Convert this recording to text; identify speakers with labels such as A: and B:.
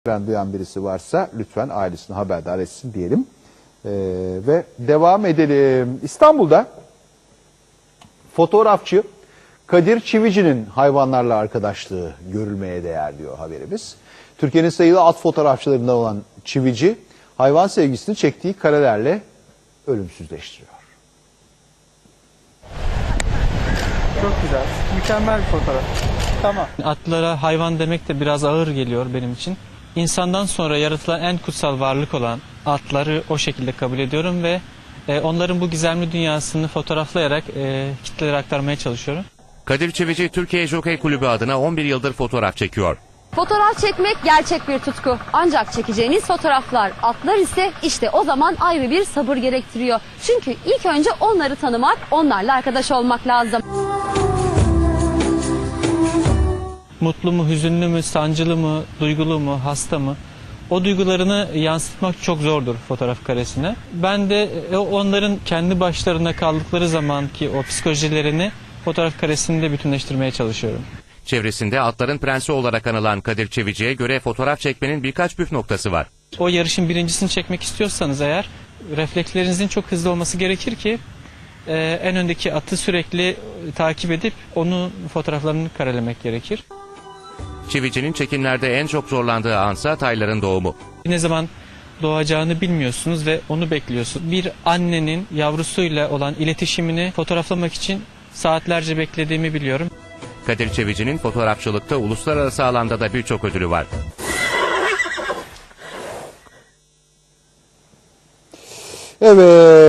A: duyan birisi varsa lütfen ailesini haberdar etsin diyelim. Ve devam edelim. İstanbul'da fotoğrafçı Kadir Çivici'nin hayvanlarla arkadaşlığı görülmeye değer diyor haberimiz. Türkiye'nin sayılı at fotoğrafçılarından olan Çivici, hayvan sevgisini çektiği karelerle ölümsüzleştiriyor.
B: Çok güzel, mükemmel bir fotoğraf. Tamam.
C: Atlara hayvan demek de biraz ağır geliyor benim için. İnsandan sonra yaratılan en kutsal varlık olan atları o şekilde kabul ediyorum ve onların bu gizemli dünyasını fotoğraflayarak kitlelere aktarmaya çalışıyorum.
D: Kadir Çivici, Türkiye Jockey Kulübü adına 11 yıldır fotoğraf çekiyor.
E: Fotoğraf çekmek gerçek bir tutku. Ancak çekeceğiniz fotoğraflar, atlar ise işte o zaman ayrı bir sabır gerektiriyor. Çünkü ilk önce onları tanımak, onlarla arkadaş olmak lazım.
C: Mutlu mu, hüzünlü mü, sancılı mı, duygulu mu, hasta mı? O duygularını yansıtmak çok zordur fotoğraf karesine. Ben de onların kendi başlarına kaldıkları zamanki o psikolojilerini fotoğraf karesinde bütünleştirmeye çalışıyorum.
D: Çevresinde atların prensi olarak anılan Kadir Çivici'ye göre fotoğraf çekmenin birkaç püf noktası var.
C: O yarışın birincisini çekmek istiyorsanız eğer reflekslerinizin çok hızlı olması gerekir ki en öndeki atı sürekli takip edip onun fotoğraflarını karelemek gerekir.
D: Çivici'nin çekimlerde en çok zorlandığı ansa tayların doğumu.
C: Ne zaman doğacağını bilmiyorsunuz ve onu bekliyorsunuz. Bir annenin yavrusuyla olan iletişimini fotoğraflamak için saatlerce beklediğimi biliyorum.
D: Kadir Çivici'nin fotoğrafçılıkta uluslararası alanda da birçok ödülü var.
A: Evet.